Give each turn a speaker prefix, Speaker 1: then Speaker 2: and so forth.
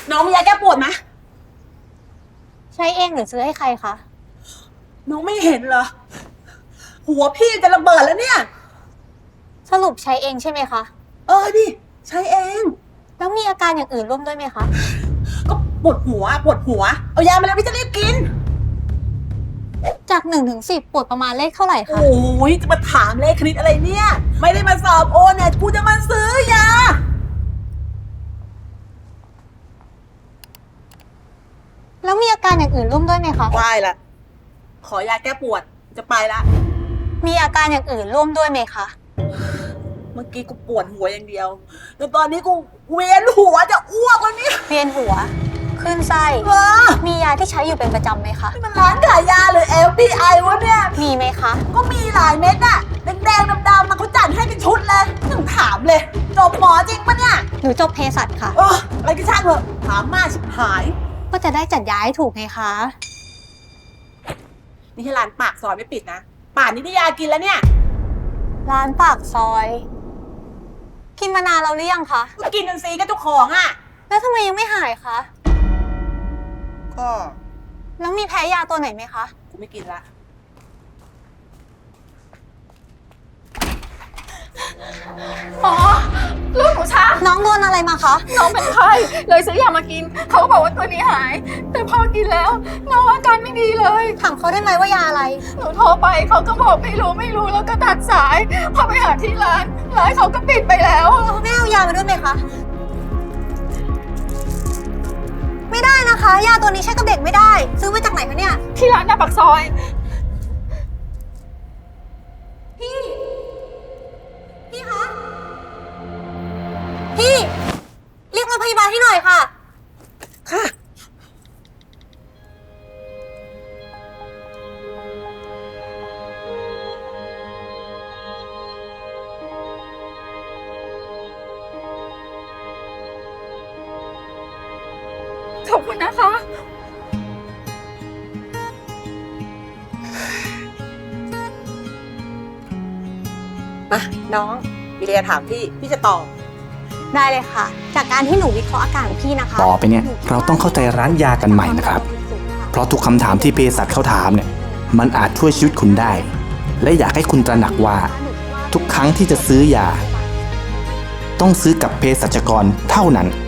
Speaker 1: น้องมียาแก้ปวดไหม
Speaker 2: ใช้เองหรือซื้อให้ใครคะ
Speaker 1: น้องไม่เห็นเหรอหัวพี่จะระเบิดแล้วเนี่ย
Speaker 2: สรุปใช้เองใช่ไหมคะ
Speaker 1: ดิใช้เอง
Speaker 2: แล้วมีอาการอย่างอื่นร่วมด้วยไหมคะ
Speaker 1: ก็ปวดหัวเอายามาแล้วพี่จะรีบกิน
Speaker 2: จาก1 ถึง 10ปวดประมาณเลขเท่าไหร่คะ
Speaker 1: โอ้ยจะมาถามเลขคณิตอะไรเนี่ยไม่ได้มาสอบโอเนี่ยกูจะมาซื้อยา
Speaker 2: แล้วมีอาการอย่างอื่นร่วมด้วยไหมคะ
Speaker 1: ไม่ละขอยาแก้ปวดจะไปละ
Speaker 2: มีอาการอย่างอื่นร่วมด้วยไหมคะ
Speaker 1: เมื่อกี้กูปวดหัวอย่างเดียวแต่ตอนนี้กูเวียนหัวจะอ้วกแล้วเนี่ย
Speaker 2: เวียนหัวคลื่นไส้มียาที่ใช้อยู่เป็นประจำไหมคะ
Speaker 1: มันร้านขายยาหรือ LPI วะเนี่ย
Speaker 2: มีไหมคะ
Speaker 1: ก็มีหลายเม็ดอะแดงๆดำๆมาเขาจัดให้เป็นชุดเลยถึงถามเลยจบหมอจริงปะเนี่ย
Speaker 2: หนูจบเภสัชค่ะ
Speaker 1: อะไรก็ช่างเถอะถามมากชิบหาย
Speaker 2: ก็จะได้จัดยาให้ถูกไงคะ
Speaker 1: นี่ให้ร้านปากซอยไม่ปิดนะป่านนี้ได้ยากินแล้วเนี่ย
Speaker 2: ร้านปากซอยกินมานานแล้วหรือยังคะ
Speaker 1: ก็กินจนซีกับเจ้าของอะ
Speaker 2: แล้วทำไมยังไม่หายคะ
Speaker 1: ก็
Speaker 2: แล้วมีแพ้ยาตัวไหนไหมคะ
Speaker 1: กูไม่กินละ
Speaker 3: ลูกหนูช้า
Speaker 2: น้องโดนอะไรมาคะ
Speaker 3: น้องเป็นไข้เลยซื้อยามากินเขาก็บอกว่าตัวนี้หายแต่พอกินแล้วน้องอาการไม่ดีเลย
Speaker 2: ถามเขาได้ไหมว่ายาอะไร
Speaker 3: หนูโทรไปเขาก็บอกไม่รู้แล้วก็ตัดสายพอไปหาที่ร้านเขาก็ปิดไปแล้ว
Speaker 2: ไม่เอายามาด้วยไหมคะไม่ได้นะคะยาตัวนี้ใช้กับเด็กไม่ได้ซื้อมาจากไหนคะเนี่ย
Speaker 3: ที่ร้านหน้าปากซอย
Speaker 2: พี่คะพี่เรียกรถพยาบาลให้หน่อยค่ะ
Speaker 1: ค่ะ
Speaker 3: ขอบคุณนะคะ
Speaker 1: มาน้องมีเรียถามพี่จะตอบ
Speaker 2: ได้เลยค่ะจากการที่หนูวิเคราะห์อาการของพี่นะคะ
Speaker 4: ต่อไปเนี่ยเราต้องเข้าใจร้านยากันใหม่นะครับเพราะทุกคำถามที่เภสัชเขาถามเนี่ยมันอาจช่วยชีวิตคุณได้และอยากให้คุณตระหนักว่าทุกครั้งที่จะซื้อยาต้องซื้อกับเภสัชกรเท่านั้น